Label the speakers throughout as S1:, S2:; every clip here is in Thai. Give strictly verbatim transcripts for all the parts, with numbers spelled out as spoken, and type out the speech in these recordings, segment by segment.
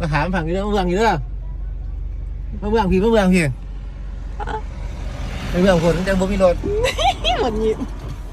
S1: มาถามฝั่งนี้เรื่องเมืองอยู่เด้อมาเมืองพี่มาเมืองพี่ไปเมืองคนจังบ่มีรถ
S2: หมดยิ้ม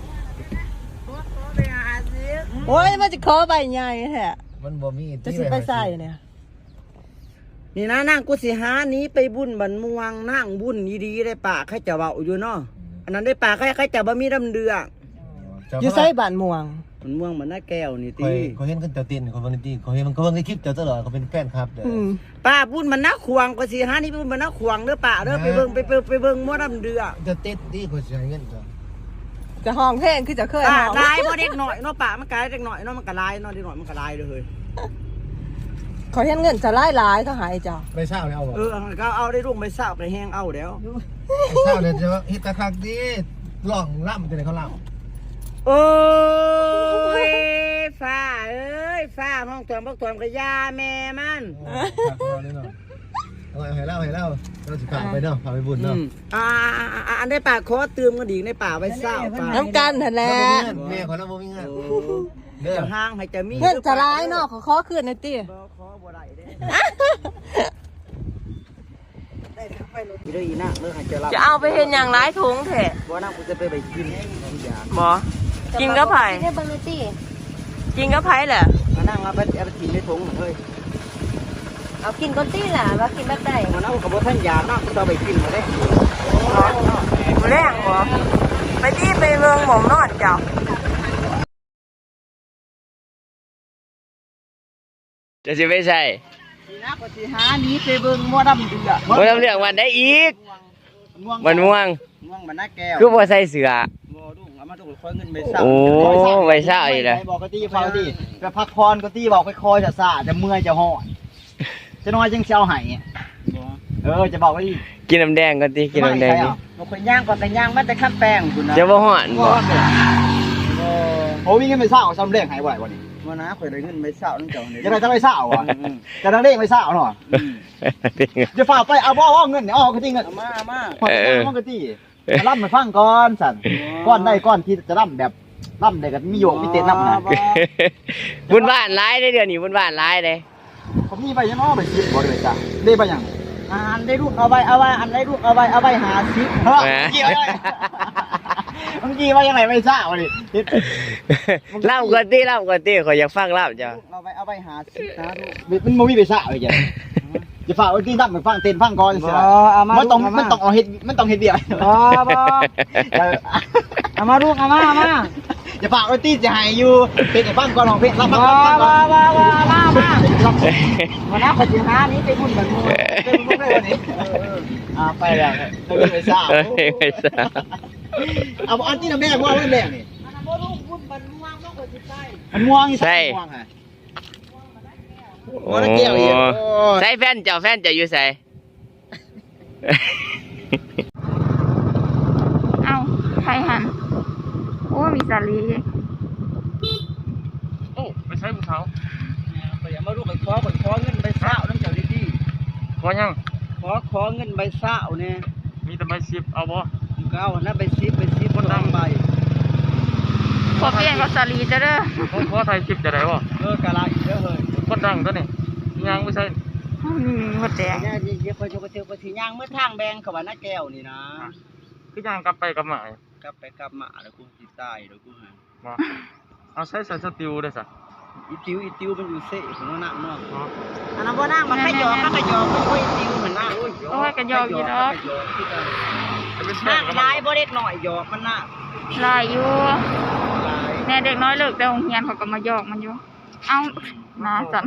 S2: โอ้ยมันจะขอใบใหญ่แท้
S1: มันบ่มี
S2: จะสิไปใส่เนี่ยนี่นะนั่งกุศิหานี้ไปบุญบันม่วงนั่งบุญดีๆได้ป่าใครจะเบาอยู่เนาะอันนั้นได้ป่าใครใครจะบ่มีดำเดือกอยู่ใส่บ้านม่วงมันม่วงเหมือนหน้าแก้วนี่ตี
S1: เขาเห็นกันเจ้าตินเขาเบิ่งตีเขาเห็นมันเขาเบิ่งในคลิปเจ้าตลอดเขาเป็นแฟนคลับเด้อ
S2: ป้าบุญมันนักขวางกุศิหานี้บุญมันนักขวางเด้อป่าเด้อไปเบิ่งไปเบิ่งไปเบิ่งมั่วดำเดือก
S1: จะติดที่เขาสิให้เงินจ้ะ
S2: จะห้องเพลงคือจะเคยห้องลายบ่เด็กหน่อยเนาะป่ามันกลายเด็กหน่อยเนาะมันก็ลายเนาะเด็กหน่อยมันก็ลายเลยเขาเห็นเงินจะไล่หลายเขาหายจ้า
S1: ไปเศร้าเนี่ยเอาบ่
S2: เออก็เอาได้รุ่งไปเศร้าไปแห้งเอาแล้ว
S1: ไปเศร้าเนี่ยจะเฮ็ดตะคักดีหล่องล่ำจังได๋เขาล่ำ
S2: โอ้ยฟ้าเอ้ยฟ้าห้องถวมพวกถวมกระยาแม่มัน
S1: เอาให้เล่าให้เล่าเราสิพาไปเนาะพาไปบุญเนาะ
S2: อ่าอันได้ป่าขอเติมกันดีในป่าไว้เศร้าน้ำกันนั่นแหละ
S1: แม่ขอเราบ่มีเงิน
S2: เดี๋ยวห้างให้จะมีเงินจะร้ายเนาะขอขอคืนหน่อยติขอบ่ได้เด้ได้ทั้งไปรถอีเด้ออีน่ะเมื่อหันจะรับ
S3: จะเอาไปเห็นอย่างร้ายถุงแท้
S2: บ่น่ากูจะไปไปกิน
S3: บ่กินกับไผ่กินกับไผ่แหละ
S2: มานั่งเอาไปเอาไปกินในถุงเฮ้ย
S3: เอากินก้นตี้แหละว่ากินแบบไหน
S2: มานั่งกับบ่ท่านยาน่ะกูจะไปกินมาได้
S3: แรงบ่ไปที่ไปเมืองหม่อมนอดเจ้าจะสิไม่ใช่
S2: สีน้าปฏิหานี้ไปเบิ่งมั่วดำเดือด
S3: มั่วดำเดือดวันได้อีกมันม่วง
S2: ม่วงมันหน้าแก้ว
S3: คือบ่ใส่เสื้อ
S2: บ่ดุเอามาดุคอยเงินไปเศร้า
S3: โอ้ไปเศร้าอีกเลย
S2: บอกกะตี้ฟังกะตี้ไปพักพรกะตี้บอกไปคอยจะซาจะเมื่อยจะห่อจะน้อยจังเชียวไห้เออจะบอกว่า
S3: กินน้ำแดงก็ตีกินน้ำแดงนี่
S2: เราไปย่างก่อนแต่ย่างมันแต่ขั้นแป้งคุณนะ
S3: จะบ่ห่อนบ่
S2: โอ้วิ่งเงินไปเศร้าซ้ำเลี้ยงหายไหววันนี้วันน้าเคยได้เงินไปเศร้านั่นเจ้าเนี่ยจะได้จะไปเศร้าอ่ะจะได้เลี้ยงไปเศร้าหน่อยจะฝากไปเอาบ่เอาเงินเนี่ยเอากะตี้เงินมามาเอากะตี้จะร่ำมาฟังก่อนสั่นก้อนได้ก้อนที่จะร่ำแบบร่ำได้กับมีโยกมีเต้นร่ำนะ
S3: บุญบ้านร้ายได้เดือนนี้บุญบ้านร้ายเลย
S2: ผมมีใบยังอ้อใบสิบบ่เลยจ้ะได้ใบยังอันได้ลูกเอาใบเอาใบอันได้ลูกเอาใบเอาใบหาสิบเฮ้ยกี่ใบเมื่อกี้ว่ายังไงไม่ทราบวะนี่
S3: เล่าก่อนตีเล่าก่อนตีขออยากฟังเล่าจ้ะ
S2: เอาใบเอาใบหาสิบนะลูกมันไม่มีใบทราบเลยจ้ะจะฝากไว้ที่ตั้งไปฟังเต้นฟังก่อนสิมันต้องมันต้องเอาเห็ดมันต้องเห็ดเดียวอ๋อบ่เอามาลูกเอามาเอามาจะฝากไว้ที่จะหายอยู่เป็นไอ้ฟังก่อนของเพชรรับฟังก่อนมามามามาวันนั้นปฏิหานี้เป็นหุ่นแบบนี้เป็นหุ่นเลยวันนี้อ่าไปแล้วไม่ทราบ
S3: ไม่ทราบ
S2: เอาอันที่แม่ว่าว่าแม่นี่อันนั้นบ่รู้หุ่นมันม่วงต้องกดจิตใจมันม่วงใช่ม่วงไง
S3: โอ้ใส่แฟนเจ้าแฟนจะอยู่ใส่
S4: เอาใครหันโอ้มีสาลี
S3: โอ้ไปใช้บุญเขา
S2: ไปอย่ามาลูกไปขอไปขอเงินใบเศร้าน้ำเจ้าดี
S3: ๆขอยัง
S2: ขอขอเงินใบเศร้าเนี่ย
S3: มีแต่ใบสิบเอาบ่
S2: ก็เอานะใบสิบใบสิบคนนั่งใบ
S4: ขอเปลี่ยนกับสาลีจะเด้อ
S3: ขอไทยสิบจะได้บ่
S2: เออกะลาอีกเยอะเลย
S3: คนดังตัวนี้ย่างไม่ใช่
S4: หมดแดง
S2: ย่างเยอะๆไปโจกเทียวไปทีย่างเมื่อทางแบงเขาว่าหน้าแก้วนี่นะ
S3: คือย่างกลับไปกลับมาก
S2: ลับไปกลับมาแล้วกูติดใต้แล้วกูหา
S3: ว่าเอาใช้ใส่สติวได้สัก
S2: อีติวอีติวมันอยู่เซ่ของนั่งเนาะอันนั้นบ่นั่งมันขยอก็ขยอมันโอ้ยติวเหมือนน่ะ
S4: โอ้ยกระยออยู่ดอก
S2: นั่งลายบ่เล็กหน่อยหยอกมันน่ะ
S4: ลายอยู่แน่เด็กน้อยเลิกแต่โรงเรียนเขาก็มาหยอกมันอยู่เอ้ามาสั่น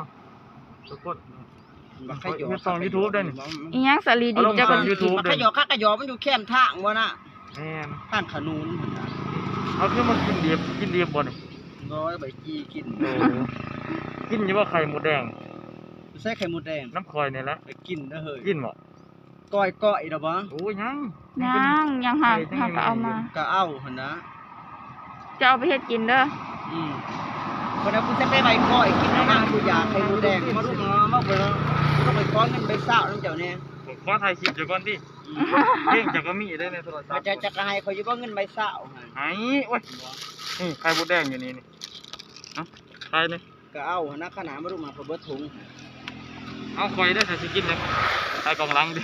S2: มันขยอส่อง
S3: YouTube ได้นี่
S4: อีหยังสาลีดิจะ
S3: ก็ YouTube
S2: มันขยอก็ขยอมันอยู่แคมทางบ่น่ะ
S3: แม่น
S2: ทางขนุน
S3: เอาคือมันกินเดียบกินเดียบบ่นี่
S2: น้อยใบจี้กิน
S3: กินอยู่ว่าไข่หมูแดง
S2: ใส่ไข่หมูแดง
S3: น้ำคอยนี่แหละ
S2: กินเด้อเฮ้ย
S3: กินบ่
S2: ก้อยก้อยดอกบ่
S3: โอ้ยยัง
S4: ยังยังหาหาก็เอามา
S2: ก็เอาหั่นนะ
S4: จะเอาไปเฮ็ดกินเด้อ
S2: อืมคนนั้นกูจะไปใบก้อยกินน้ำกูอยากไข่หมูแดงมาลูกมามาเบิ่งกูต้องไปก้อนนึงไปซ่าน้ำเจ้าเนี่ย
S3: ขอถ่ายคลิปเดี๋ยวก่อนดิเพ่งจะก็มีได้ในโทรศัพท์
S2: จะจะก็ให้เขาอยู่บ่เงินใบซ่า
S3: หายโอ้ยนี่ไข่หมูแดงอยู่นี่นี่เอ้าไข่นี่
S2: ก็เอาหั่นนะขนาดมาลูกมาเบิดถุง
S5: เอาคอยได้ใส่สกินเลยใส่กองลังดิ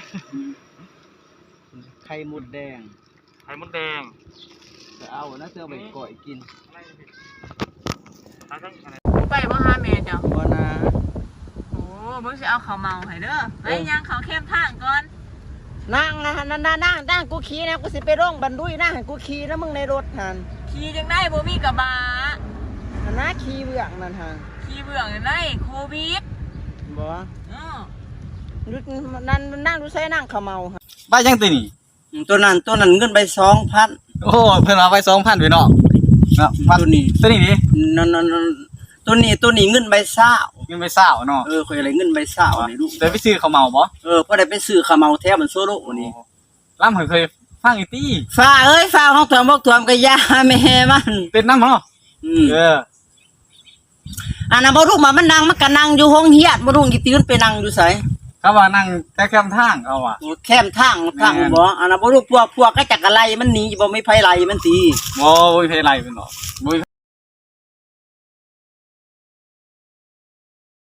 S2: ไข่มดแดง
S5: ไข่มดแดง
S2: จะเอานะเสื้อไปก่อยกิน
S3: ไปบ่หาแม่เจ้า
S2: บ่นะ
S3: โอ้มึงสิเอาข้าวเมาให้เด้อเฮ้ยยังเขาเข้มทางก่อน
S6: นั่งนะนั่งนั่งนั่งนั่งกูขี่นะกูสิไปร่องบันดุยนั่งให้กูขี่นะมึงในรถหัน
S3: ขี่จังได้บ่มีกระบะ
S6: หันนะขี่เบื้องนั่นหัน
S3: ขี่เบื่อจังได้โควิด
S6: บ่
S3: เออ
S6: ดูนั่นนั่งดูใส่นั่งเขาเมาหัน
S5: บ้ายังตีนี่
S2: ตัวนั้นตัวนั้นเงินไปสองพัน
S5: โอ้เพิ่นเอาไปสองพันไปเนาะเนาะ
S2: ตัวนี้
S5: ตัวนี้ดิ
S2: นั่นนั่นตัวนี้ตัวนี้เงินใบเศร้า
S5: ยังไปเศร้าเนาะ
S2: เออคอยอะไรเงินใบเศร้านี่ลูก
S5: เดี๋ยวไปซื้อข้าวเมาบ่
S2: เออพอได้ไปซื้อข้าวเมาแท้มันโซโล่นี่
S5: ล่ำเคยฟังอีตี้
S2: ฟ้าเอ้ยฟ้าห้องถวมบอกถวมกะยาแม่มัน
S5: เป็นน้ำเนาะ
S2: อืม
S5: เออ
S2: อันนั้นบ่รู้มามันนั่งมันก็นั่งอยู่ห้องเฮียดบ่รู้อีตื่นไปนั่งอยู่ไส
S5: เขาว่านั่งแต่แคมทางเอาว่ะ
S2: โอ้แคมทางทางบ่อันนั้นบ่รู้พวกพวกก็จักอะไรมันหนีบ่มีไผไล่มันตี
S5: บ่บ่มีไผไล่เป็นหรอกบ่มีไผ